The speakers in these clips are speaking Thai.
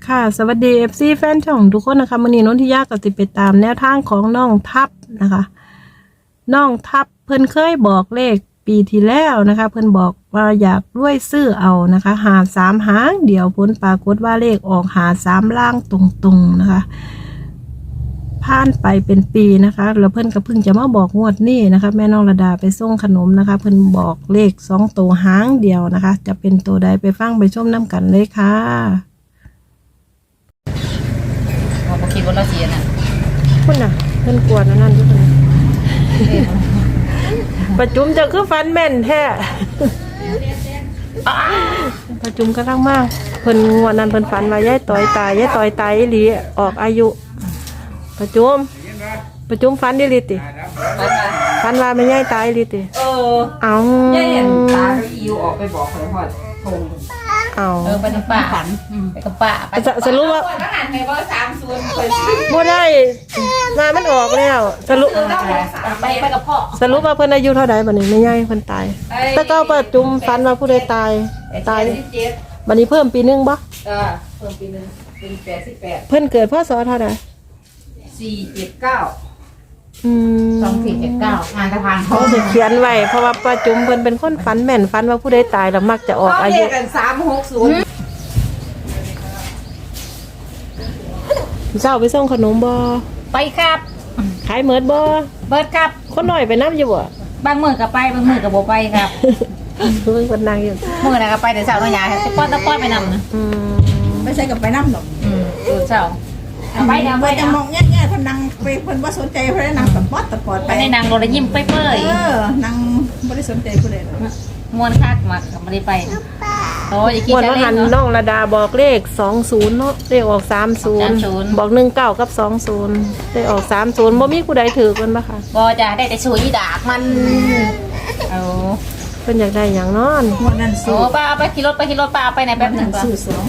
ค่ะสวัสดี FC แฟนช่องทุกคนนะคะมื้อนี้นนทิยาก็สิไปตามแนวทางของน้องทัพนะคะน้องทัพเพิ่นเคยบอกเลขปีที่แล้วนะคะเพิ่นบอกว่าอยากรวยซื้อเอานะคะหา3หางเดี๋ยวผลปรากฏว่าเลขออกหา3ล่างตรงๆนะคะผ่านไปเป็นปีนะคะแล้วเพิ่นก็เพิ่งจะมาบอกงวดนี้นะคะแม่น้องระดาไปส่งขนมนะคะเพิ่นบอกเลข2ตัวหางเดียวนะคะจะเป็นตัวใดไปฟังไปชมน้ำกันเลยค่ะพอคิดว่าเราเสียน่ะคุณน่ะเพิ่นกวนนั่นทุกคนประจุมจะคือฟันแม่นแท้ประจุมก็ทั้งมากเพิ่นงวดนั้นเพิ่นฝันว่ายายต่อยตายอีหลีออกอายุประจุมฝันอีหลีติฝันว่าแม่ยายตายอีหลีติเอาย่าเห็นตาก็อิวออกไปบอกเลยพ่อทงเอาไปกับป้าไปกับป้าสรุปว่าทหารในว่า30เคยบ่ได้มามันออกแล้วสรุปไปกับพ่อสรุปว่าเพิ่นอายุเท่าใดบัดนี้แม่ยายเพิ่นตายแต่ก็ประจุมฝันว่าผู้ใดตายบัดนี้เพิ่มปีนึงบ่เพิ่มปีนึงเป็น88 เพิ่นเกิดพศเท่าใด 479 2479งานกระพานเขาจะเขียนไว้เพราะว่าป้าจุ๋มเพิ่นเป็นคนฝันแม่นฝันว่าผู้ใดตายแล้วมักจะออกอายุกัน360 เจ้าไปส่งขนมบ่ไปครับขายเหมือดบ่เบิดครับคนน้อยไปนับอยู่บ่บางมื้อก็ไปบางมื้อก็บ่ไปครับเพิ่นคนนางอยู่มื้อน่ะก็ไปแต่เช้าเนาะยายสิป้อนตะป้อนไปนำนะไม่ใช่กับไปน้ำหรอกเช้าไปเดี๋ยวไปจะมองแง่ๆคนนั่งไปคนว่าสนใจเพราะนั่งตะปอดไปในนางโรยยิ้มเปื่อยนั่งไม่ได้สนใจผู้ใดหรอกม้วนคักมากไม่ได้ไปโอ้ยกินจะเล่นเนาะน้องระดาบอกเลข20เนาะเลขออก30บอก19กับ20เลขออก30บ่มีผู้ใดถือเพิ่นบ่ค่ะบ่จะได้แต่ช่วยดากมันเอาเพิ่นอยากได้หยังนอนวันนั้นโอ้ป้าเอาไปขี่รถป้าเอาไปไหนแป๊บนึงก่อน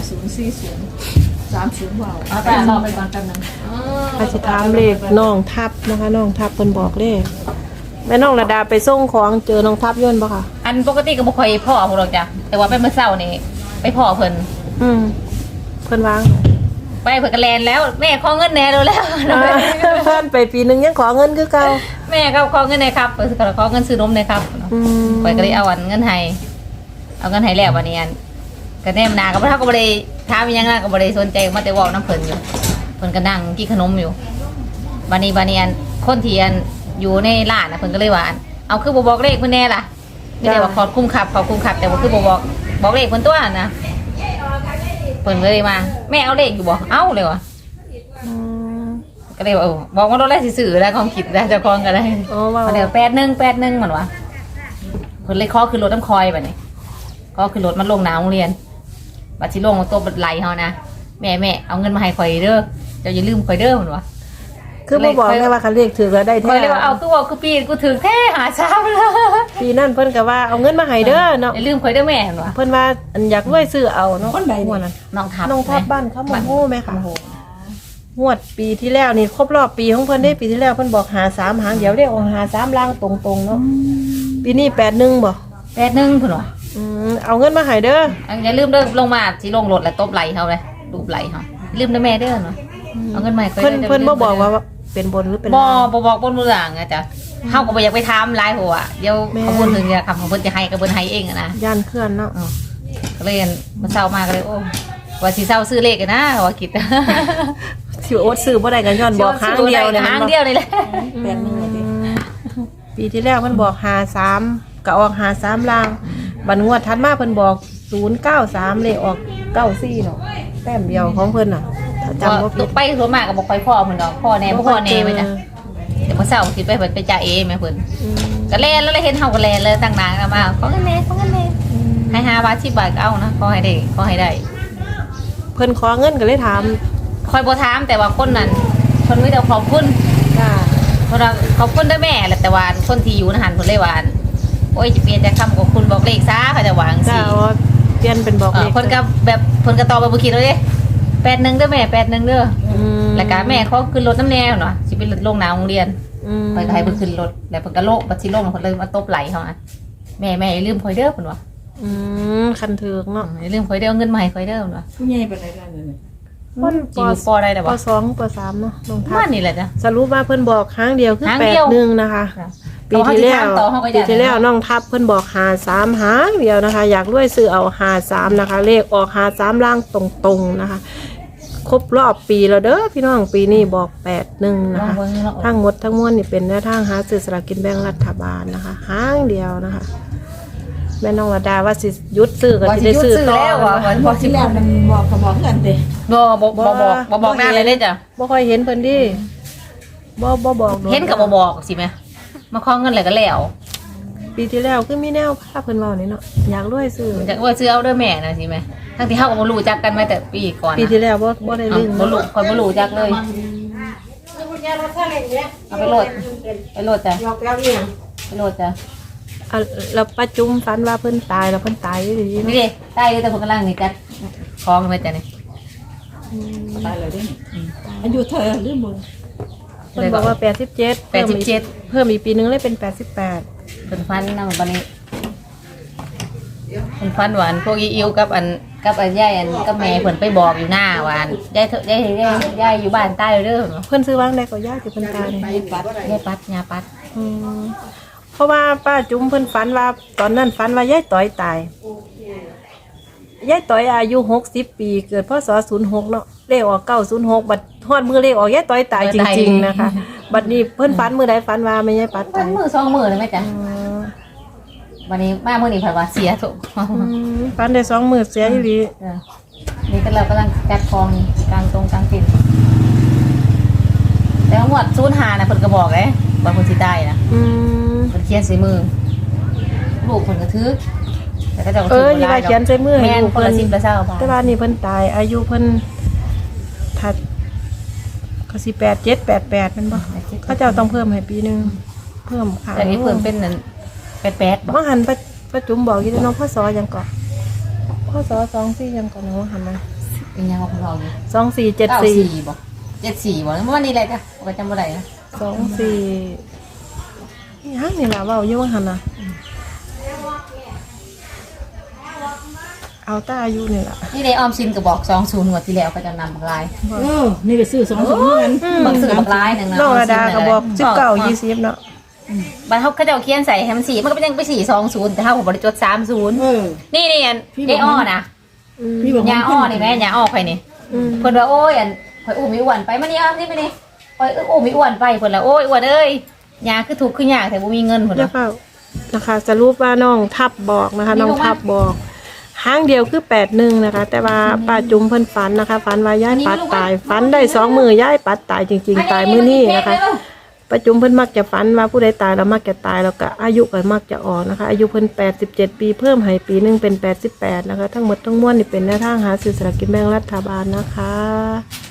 204030ว้าวเอาไปรอไปก่อนแป๊บนึงอาสิถามเลขน้องทัพนะคะน้องทัพเพิ่นบอกเลขแม่น้องระดาไปส่งของเจอน้องทัพย่นบ่ค่ะอันปกติก็บ่ค่อยพ่อพวกเราจ้ะแต่ว่าไปเมื่อเช้านี่ไปพ่อเพิ่นเพิ่นวางไปเพิ่นก็แลนแล้วแม่ขอเงินแน่แล้วเพิ่นไปปีนึงยังขอเงินคือเก่าแม่ก็ขอเงินหน่อยครับเพิ่นก็ขอเงินซื้อนมหน่อยครับข่อยก็เลยเอาเงินให้เอาเงินให้แล้ววันนี้ก็แนมนาก็บ่เท่าก็บ่ได้ถามอีหยังก็บ่ได้สนใจมาแต่เว้านำเพิ่นอยู่เพิ่นก็นั่งกินขนมอยู่บัดนี้คนที่อยู่ในร้านน่ะเพิ่นก็เลยว่าเอาคือบ่บอกเลขเพิ่นแน่ล่ะไม่ได้ว่าขอคุ้มขับแต่ว่าคือบ่บอกเลขเพิ่นตัวนะเพิ่นเลยมาแม่เอาเลขอยู่บ่เอาเลยว่ะก็เลยว่าบอกว่าเราได้สิซื้อแล้วความคิดได้เจ้าของก็ได้เดี๋ยว81เหมือนว่าเพิ่นเลยขอขึ้นรถน้ำคอยบัดนี้ก็ขึ้นรถมันลงน้าโรงเรียนบัดสิลงตัวบัดไหลเฮานะแม่เอาเงินมาให้ข่อยเด้อเจ้าอย่าลืมข่อยเด้อเหมือนว่าคือบ่บอกแม่ว่าคันเลขถือแล้วได้แท้ข่อยเลยว่าเอาคือว่าคือปีกูถือแท้หาเช้าเลยปีนั้นเพิ่นก็ว่าเอาเงินมาให้เด้อเนาะอย่าลืมข่อยเด้อแม่เหมือนว่าเพิ่นว่าอยากรวยซื้อเอาเนาะคนใดนั่นน้องทับบ้านเขาโมโหแม่ค่ะงวดปีที่แล้วนี่ครบรอบปีของเพิ่นได้ปีที่แล้วเพิ่นบอกหา3หางเดี๋ยวได้ออกหา3ล่างตรงๆเนาะปีนี้81บ่ 81เพิ่นว่าเอาเงินมาให้เด้ออย่าลืมเด้อลงมาสิลงรถแล้วตบไหลเฮาเลยรูปไหลเฮาลืมเด้อแม่เด้อเนาะเอาเงินมาให้ข่อยเพิ่นบ่บอกว่าเป็นบนหรือเป็นบ่บอกบนมือหลังอ่ะจ้ะเฮาก็บ่อยากไปถามหลายหัวเดี๋ยวเขาพูดถึงเนี่ยคำของเพิ่นจะให้ก็เพิ่นให้เองอ่ะนะย่านเคลื่อนเนาะก็เลยมาเช้ามาก็เลยโอ้ว่าสิเช้าซื้อเลขกันนะว่าคิดสิโอ๊ตซื้อบ่ได้กันย้อนบอกครั้งเดียวครั้งเดียวนี่แหละปีที่แล้วเพิ่นบอก53ก็ออก53ล่างบัดงวดถัดมาเพิ่นบอก093เลขออก94เนาะแต้มเดียวของเพิ่นน่ะจำว่าไปส่วนมากก็บอกไปพ่อเพิ่นดอกพ่อแน่ไปจ้ะเดี๋ยวมื้อเช้าคิดไปเพิ่นไปจ่าเอแม่เพิ่นก็แลนแล้วเห็นเฮาก็แลนเลยตั้งนานมาขอเงินแน่ให้5บาท10บาทก็เอานะขอให้ได้เพิ่นขอเงินก็เลยถามคอยบ่ถามแต่ว่าคนนั้นเพิ่นมีแต่ขอบคุณค่ะเพราะว่าขอบคุณด้วยแม่แหละแต่ว่าคนที่อยู่นะหันเพิ่นเลยว่าโอ้ยจะเปลี่ยนจากคำขอบคุณบอกเลขซะเขาจะหวังสิเปลี่ยนเป็นบอกเลขเพิ่นก็แบบเพิ่นก็ตอบบ่คิดเลย81เด้อแม่81เด้อแล้วก็แม่เขาขึ้นรถน้ำแนวเนาะสิไปลงหน้าโรงเรียนไปก็ให้เพิ่นขึ้นรถแล้วเพิ่นก็โลกบัดสิลงเพิ่นเลยมาตบไหลเฮาอ่ะแม่อย่าลืมข่อยเด้อเพิ่นว่าคันถึกเนาะอย่าลืมข่อยเด้อเงินมาให้ข่อยเด้อเพิ่นว่าผู้ใหญ่ปานใดกันนี่คนจิ๋วปอได้แต่ปว่า 2ป3เนาะน้องทับ้าบนนี่แหละจ้ะสรุปว่าเพิ่นบอกครั้งเดียวคือครั้งเดียว 81นะคะค่ะปีที่แล้วต่อเขาก็อยากปีที่แล้วน้องทับเพิ่นบอก53หางเดียวนะคะ อยากรวยซื้อเอา53นะคะ เลขออก53ล่างตรงๆนะคะ ครบรอบปีแล้วเด้อพี่น้องปีนี้บอก81 ลนะองคะเบิ่งเนาะทั้งหมดทั้งมวลนี่เป็นแนวทางหาซื้อสลากกินแบ่งรัฐบาลนะคะหางเดียวนะคะแม่น้องระดาว่าสิหยุดซื้อก็ว่าสิสิได้หยุดซื้อซื้อต่อแล้วอ่ะนะคะบอกที่แล้วมันบอกเขาบอกกันเด้บ่บอกหน้าเลยเด้จ้ะบ่ค่อยเห็นเพิ่นดิบ่บอกโดเห็นกับบ่บอกสิแม่มาขอเงินเลยก็แล้วปีที่แล้วคือมีแนวพาเพิ่นเว้านี่เนาะอยากรวยซื้อจะว่าซื้อเอาเด้อแม่นะสิแม่ทั้งที่เฮาก็บ่รู้จักกันมาแต่ปีก่อนปีนะที่แล้วบ่ได้ลืมบ่รู้คนบ่รู้จักเลยเอาไปโหลดไปโหลดจ้ะไปโหลดจ้ะอ่ะแล้วป้าจุ้มฝันว่าเพิ่นตายแล้วเพิ่นตายอยู่ดีนี่เนาะดิใต้แต่คนกำลังนี่จัดคล้องมาจ้ะนี่ตายเลยเด้อายุเธอหรือมึงเพิ่นบอกว่า87เพิ่มอีกปีนึงเลยเป็น88 เป็นฟันนำบัดนี้เป็นฟันหวานพวกอิวกับอันยายอันกับแม่เพิ่นไปบอกอยู่หน้าหวานยายอยู่บ้านใต้เด้อเพิ่นซื้อวางได้ก็ยากที่เพิ่นตายนี่ยายปัดยาปัดอืมเพราะว่าป้าจุ้มเพิ่นฝันว่าตอนนั้นฝันว่ายายต่อยตายยายต่อยอายุ60 ปีเกิดพศ06เนาะเลขออก906บัดฮอดมือเลขออกยายต่อยตายจริงๆนะคะ บัดนี้เพิ่นฝันมื้อใดฝันว่าแม่ยายปัดวัตาน ยมือสองมือเลยไหมจ๊ะอืมวันนี้มามื้อนี้เพิ่นว่าเสียถูกฝันได้2มื้อเสียอีหลีนี่ก็เรากำลังจัดกองกลางตรงกลางติ่นแต่ว่าหมวด05น่ะเพิ่นก็บอกเลยว่าเพิ่นสิตายนะอืมเพิ่นเขียนใส่มือลูกเพิ่นก็ถือแต่ก็เจะก็เอถืออย่าว่าเขียนใส่มือให้แม่นลูกคนเพิ่ละน 10ละ20บาทแต่ว่านี่เพิ่นตายอายุเพิ่นถัดก็สิ87 88แม่นบ่เขาเจ้าต้องเพิ่มให้ปีนึงเพิ่มค่ะแต่นี้เพิ่นเป็นนั่น88บ่บ่หันป้าจุ๋มบอกอยู่น้องพ่อสอยังก่อนพ่อสอ24ยังก่อนน้องหันมาเป็นยังของเราอยู่ 2474 บ่74บ่เมื่อวันนี้แหละจ้ะก็จำบ่ได้นะ 24ยังนี่ล่ะเว้าอยู่ว่าหันน่ะเอาตาอายุนี่ล่ะนี่ได้ออมสินก็บอก20งวดที่แล้วก็จะนำบักลายนี่ไปซื้อ2 2เหมือนกันบักซื้อบักลายนึงนะน้องระดาก็บอก19 20เนาะบัดเขาเจ้าเขียนใส่ให้มัน4มันก็เป็นยังไป420แต่เฮาก็บ่ได้จด30นี่อันยายอ้อนะพี่บอกยาอ้อนี่แม่ยาอ้อข่อยนี่อืมเพิ่นว่าโอ้ยอันข่อยอุ้มอีอ้วนไปมานี่อ้อมนี่ไปนี่ข่อยอุ้มอีอ้วนไปเพิ่นละโอ้ยอ้วนเอ้ยยาคือทุกข์คือยากแต่บ่มีเงินเพิ่นเดี๋ยวว่าเฝ้านะคะสรุปว่าน้องทับบอกนะคะมีน้องลงมาทับบอกห้างเดียวคือ81นะคะ แต่ว่าป้าจุ๋มเพิ่นฝันนะคะฝันว่าย้ายปัดตายฝันได้2มื้อย้ายปัดตายจริงๆตายมื้อนี้นะคะป้าจุ๋มเพิ่นมักจะฝันว่าผู้ใดตายแล้วมักจะตายแล้วก็อายุก็มักจะออกนะคะ อายุเพิ่น87 ปีเพิ่มให้ปีหนึงเป็น88นะคะ ทั้งหมดทั้งมวลนี่เป็นแนวทางหาซื้อสลากกินแบ่งรัฐบาลนะคะ